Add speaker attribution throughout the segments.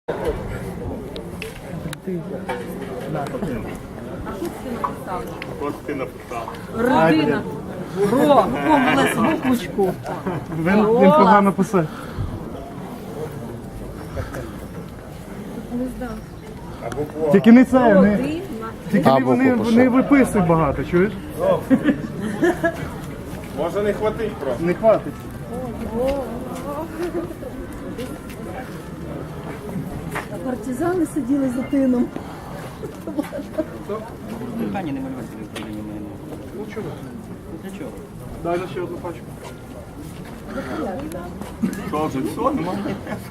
Speaker 1: Ось ти написав.
Speaker 2: Родина. Ро, помилась буквочку.
Speaker 3: Він погано писав. Тільки не це, тільки вони виписують багато, чуєш?
Speaker 1: Може не хватить просто.
Speaker 3: Не хватить.
Speaker 2: Партизани сиділи за тином.
Speaker 4: Питання не малювати в Україні мене.
Speaker 3: Ну чого?
Speaker 4: Для чого?
Speaker 3: Дай ще одну пачку.
Speaker 1: Що вже все, немає?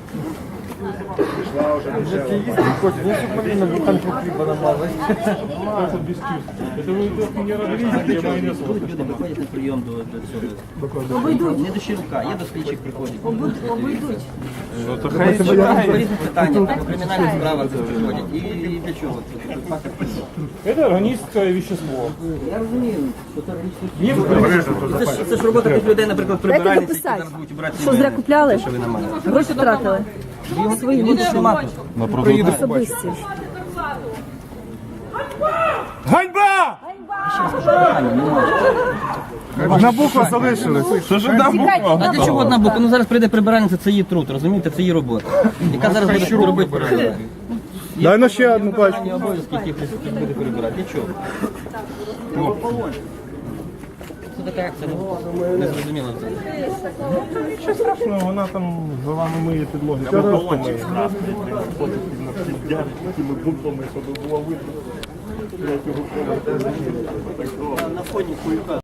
Speaker 4: Люди виходять на прийом до цього. Не до Щербака, є до слідчих приходять.
Speaker 2: Обійдуть.
Speaker 4: По різних питаннях, по кримінальних справах приходять. І для чого?
Speaker 3: Це органічне вещество.
Speaker 4: Я розумію, що це це ж робота тих людей, наприклад, прибиральниць, які зараз будуть брати.
Speaker 2: Що зря купляли?
Speaker 4: Що ви на мене?
Speaker 2: Гроші втратили. Свої
Speaker 4: Його ж нема тут.
Speaker 2: особисті.
Speaker 3: Ганьба! Одна буква залишилась. Що ж одна буква?
Speaker 4: А для чого одна буква? Ну зараз прийде прибиральниця, це її труд, розумієте, це її робота. Яка зараз буде робити прибиральниця?
Speaker 3: Дай на ще одну пачку.
Speaker 4: Є обов'язки, які буде прибирати. Для чого? Це така акція, не зрозуміло.
Speaker 3: Що страшного, вона там за вами миє підлоги.
Speaker 1: Або колончик красний, ходить на піддяр, такими буквами, щоб було видно.
Speaker 4: На фоні хуйка.